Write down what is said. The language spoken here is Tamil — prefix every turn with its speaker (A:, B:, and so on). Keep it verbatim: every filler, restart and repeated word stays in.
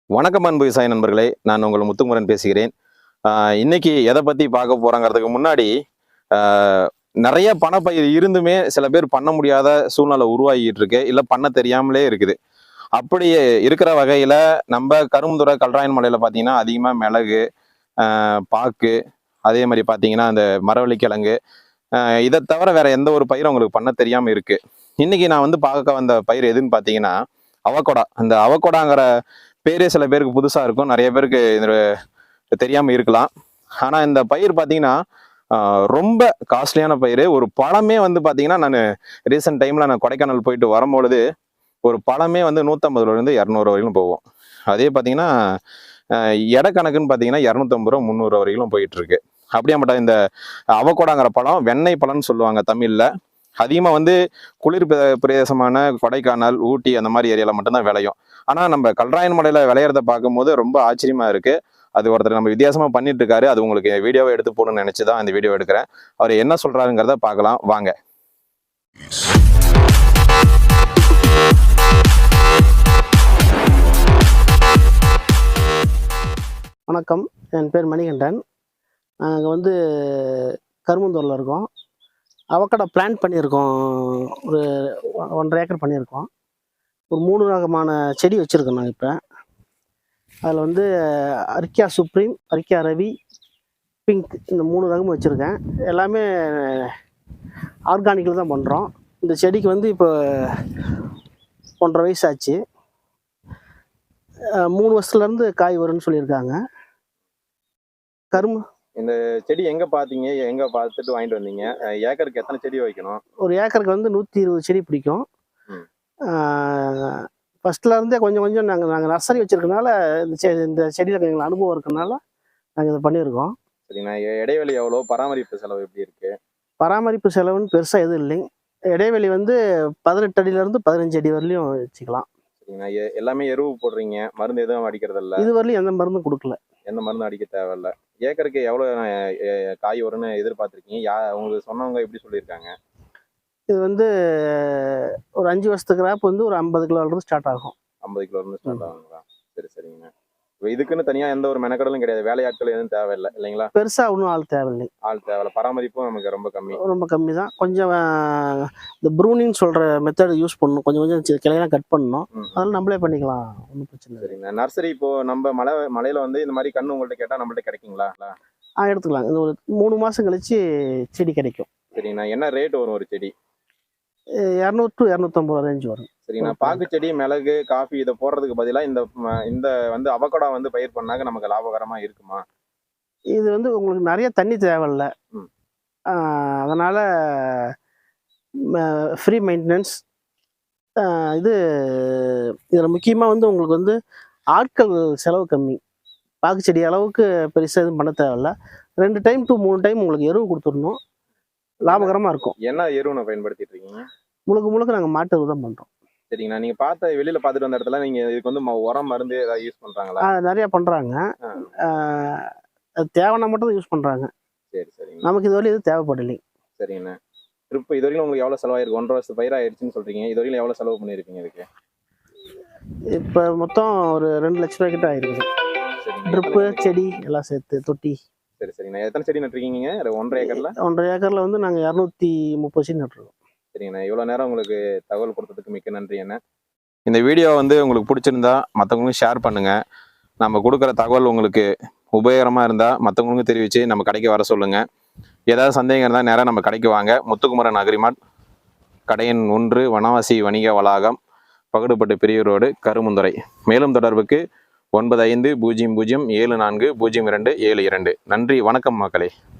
A: வணக்கம் அன்பு விவசாய நண்பர்களே, நான் உங்கள் முத்துக்குமரன் பேசுகிறேன். ஆஹ் இன்னைக்கு எதை பத்தி பார்க்க போறோங்கிறதுக்கு முன்னாடி ஆஹ் நிறைய பணப்பயிர் இருந்துமே சில பேர் பண்ண முடியாத சூழ்நிலை உருவாகிட்டு இருக்கு, இல்ல பண்ண தெரியாமலே இருக்குது. அப்படி இருக்கிற வகையில நம்ம கரும்புத்துறை கல்ராயன் மலையில பாத்தீங்கன்னா அதிகமா மிளகு, ஆஹ் பாக்கு, அதே மாதிரி பாத்தீங்கன்னா அந்த மரவள்ளிக்கிழங்கு, ஆஹ் இதை தவிர வேற எந்த ஒரு பயிரும் உங்களுக்கு பண்ண தெரியாம இருக்கு. இன்னைக்கு நான் வந்து பார்க்க வந்த பயிர் எதுன்னு பாத்தீங்கன்னா அவகோடா. அந்த அவகோடாங்கிற பேரே சில பேருக்கு புதுசா இருக்கும், நிறைய பேருக்கு இது தெரியாம இருக்கலாம். ஆனா இந்த பயிர் பாத்தீங்கன்னா ஆஹ் ரொம்ப காஸ்ட்லியான பயிர். ஒரு பழமே வந்து பாத்தீங்கன்னா நான் ரீசெண்ட் டைம்ல நான் கொடைக்கானல் போயிட்டு வரும்பொழுது ஒரு பழமே வந்து நூற்றம்பது ரூபாயிலிருந்து இரநூறு வரையிலும் போகும். அதே பார்த்தீங்கன்னா எடை கணக்குன்னு பார்த்தீங்கன்னா இரநூத்தம்பது ரூபா முந்நூறு வரையிலும் போயிட்டு இருக்கு. அப்படியாப்பட்ட இந்த அவகோடாங்கிற பழம் வெண்ணெய் பழம்னு சொல்லுவாங்க தமிழ்ல. அதிகமாக வந்து குளிர் பிரதேசமான கொடைக்கானல், ஊட்டி அந்த மாதிரி ஏரியாவில் மட்டும்தான் விளையும். ஆனால் நம்ம கல்ராயன் மலையில் விளையிறத பார்க்கும்போது ரொம்ப ஆச்சரியமா இருக்கு. அது ஒருத்தர் நம்ம வித்தியாசமா பண்ணிட்டு இருக்காரு. அது உங்களுக்கு வீடியோவை எடுத்து போடணும்னு நினைச்சு தான் இந்த வீடியோ எடுக்கிறேன். அவர் என்ன சொல்றாருங்கிறத பார்க்கலாம் வாங்க.
B: வணக்கம், என் பேர் மணிகண்டன். நாங்கள் வந்து கரும்புந்தூரில் இருக்கோம். அவக்கடா பிளான் பண்ணியிருக்கோம். ஒரு ஒன்றரை ஏக்கர் பண்ணியிருக்கோம். ஒரு மூணு ரகமான செடி வச்சுருக்கோம். நாங்கள் இப்போ அதில் வந்து areca supreme, areca Ravi, pink, இந்த மூணு ரகமும் வச்சுருக்கேன். எல்லாமே ஆர்கானிக்கில் தான் பண்ணுறோம். இந்த செடிக்கு வந்து இப்போ ஒன்றரை வயசு ஆச்சு. மூணு வருஷத்துலேருந்து காய் வரும்னு சொல்லியிருக்காங்க. கரும்பு
A: இந்த செடி எங்க பாத்தீங்க, எங்க பார்த்துட்டு வாங்கிட்டு வந்தீங்க? ஏக்கருக்கு எத்தனை செடி வைக்கணும்?
B: ஒரு ஏக்கருக்கு வந்து நூற்றி இருபது செடி பிடிக்கும். ஃபர்ஸ்ட்ல இருந்தே கொஞ்சம் கொஞ்சம் நாங்கள் நாங்கள் நர்சரி வச்சிருக்கனால இந்த செ இந்த செடியில் எங்களுக்கு அனுபவம் இருக்கனால நாங்கள் இதை பண்ணியிருக்கோம்.
A: சரிண்ணா, இடைவெளி எவ்வளோ, பராமரிப்பு செலவு எப்படி இருக்கு?
B: பராமரிப்பு செலவுன்னு பெருசாக எதுவும் இல்லைங்க. இடைவெளி வந்து பதினெட்டு அடியிலேருந்து பதினஞ்சு அடி வரலையும் வச்சுக்கலாம்.
A: சரிங்கண்ணா, எல்லாமே எருவு போடுறீங்க, மருந்து எதுவும் அடிக்கிறது இல்லை?
B: இது வரலையும் எந்த மருந்தும் கொடுக்கல.
A: எந்த மருந்தும் அடிக்க தேவையில்ல. ஏக்கருக்கு எவ்வளோ காய் வரும்னு எதிர்பார்த்துருக்கீங்க? யா உங்களுக்கு சொன்னவங்க எப்படி சொல்லியிருக்காங்க?
B: இது வந்து ஒரு அஞ்சு வருஷத்துக்கு கிராப் வந்து ஒரு ஐம்பது கிலோலேருந்து ஸ்டார்ட் ஆகும்.
A: ஐம்பது கிலோலேருந்து ஸ்டார்ட் ஆகுங்களா? சரி சரிங்கண்ணா. இதுக்குன்னு தனியாக எந்த ஒரு மெனக்கடலும் கிடையாது, வேலையாட்கள் எதுவும் தேவையில்லை இல்லைங்களா?
B: பெருசாக ஒன்றும் ஆள் தேவையில்லை.
A: ஆள் தேவையில்லை. பராமரிப்பும் நமக்கு ரொம்ப கம்மி.
B: ரொம்ப கம்மி தான். கொஞ்சம் இந்த ப்ரூனிங் சொல்கிற மெத்தட் யூஸ் பண்ணணும். கொஞ்சம் கொஞ்சம் கிளையெல்லாம் கட் பண்ணணும். அதெல்லாம் நம்மளே பண்ணிக்கலாம், ஒன்றும் பிரச்சனை இல்லை.
A: சரிங்கண்ணா. நர்சரி இப்போ நம்ம மலை மலையில் வந்து இந்த மாதிரி கன்று உங்கள்கிட்ட கேட்டால் நம்மள்ட்ட கிடைக்குங்களா?
B: ஆ, எடுத்துக்கலாம். இந்த ஒரு மூணு மாதம் கழிச்சு செடி கிடைக்கும்.
A: சரிங்கண்ணா. என்ன ரேட் வரும் ஒரு செடி?
B: இரநூறு டு இரநூத்தம்பது ரூபா ரேஞ்ச் வரும்.
A: சரிங்கண்ணா. பாக்கு செடி, மிளகு, காஃபி இதை போடுறதுக்கு பதிலாக இந்த இந்த வந்து அவகோடா வந்து பயிர் பண்ணாக்க நமக்கு லாபகரமா இருக்குமா?
B: இது வந்து உங்களுக்கு நிறைய தண்ணி தேவையில்ல, அதனால ஃப்ரீ மெயின்டெனன்ஸ். இது இதில் முக்கியமாக வந்து உங்களுக்கு வந்து ஆட்கள் செலவு கம்மி. பாக்கு செடி அளவுக்கு பெருசாக எதுவும் பண்ண தேவையில்ல. ரெண்டு டைம் டு மூணு டைம் உங்களுக்கு எருவு கொடுத்துடணும். லாபகரமாக இருக்கும்.
A: என்ன எருவு பயன்படுத்திட்டு இருக்கீங்க?
B: முழுக்க முழுக்க நாங்கள் மாட்டு எருவு தான் பண்ணுறோம்.
A: சரிங்கண்ணா. நீங்கள் பார்த்த வெளியில் பார்த்துட்டு வந்த இடத்துல நீங்கள் இதுக்கு வந்து உரம் மருந்து ஏதாவது யூஸ் பண்ணுறாங்களா?
B: நிறையா பண்ணுறாங்க. அது தேவைன்னா மட்டும் தான் யூஸ் பண்ணுறாங்க.
A: சரி சரிங்க.
B: நமக்கு இது வரையும் எதுவும் தேவைப்படலை.
A: சரிங்கண்ணா. ட்ரிப்பு இது வரைக்கும் உங்களுக்கு எவ்வளோ செலவாயிருக்கு? ஒன்றரை வருஷம் பயிராகிடுச்சுன்னு சொல்கிறீங்க. இது வரைக்கும் எவ்வளோ செலவு பண்ணியிருப்பீங்க இதுக்கு?
B: இப்போ மொத்தம் ஒரு ரெண்டு லட்ச ரூபாய் கிட்ட ஆயிருக்குது. ட்ரிப்பு, செடி எல்லாம் சேர்த்து, தொட்டி.
A: சரி சரிங்கண்ணா. எத்தனை செடி நட்டுருக்கீங்க ஒன்றரை ஏக்கர்ல?
B: ஒன்றரை ஏக்கர்ல வந்து நாங்கள் இரநூத்தி முப்பது செடி நட்டுருக்கோம்.
A: சரிங்கண்ணா. இவ்வளோ நேரம் உங்களுக்கு தகவல் கொடுத்ததுக்கு மிக்க நன்றி அண்ணா. இந்த வீடியோ வந்து உங்களுக்கு பிடிச்சிருந்தா மற்றவங்களுக்கும் ஷேர் பண்ணுங்கள். நம்ம கொடுக்குற தகவல் உங்களுக்கு உபயோகரமாக இருந்தால் மற்றவங்களுக்கும் தெரிவித்து நம்ம கடைக்கு வர சொல்லுங்கள். ஏதாவது சந்தேகம் இருந்தால் நேராக நம்ம கடைக்கு வாங்க. முத்துக்குமரன் அக்ரிமார்ட், கடையின் ஒன்று, வனவாசி வணிக வளாகம், பகடுப்பட்டு பிரிவு ரோடு, கரும்புந்துறை. மேலும் தொடர்புக்கு ஒன்பது ஐந்து பூஜ்ஜியம் பூஜ்ஜியம் ஏழு நான்கு பூஜ்ஜியம் இரண்டு ஏழு இரண்டு. நன்றி, வணக்கம் மக்களே.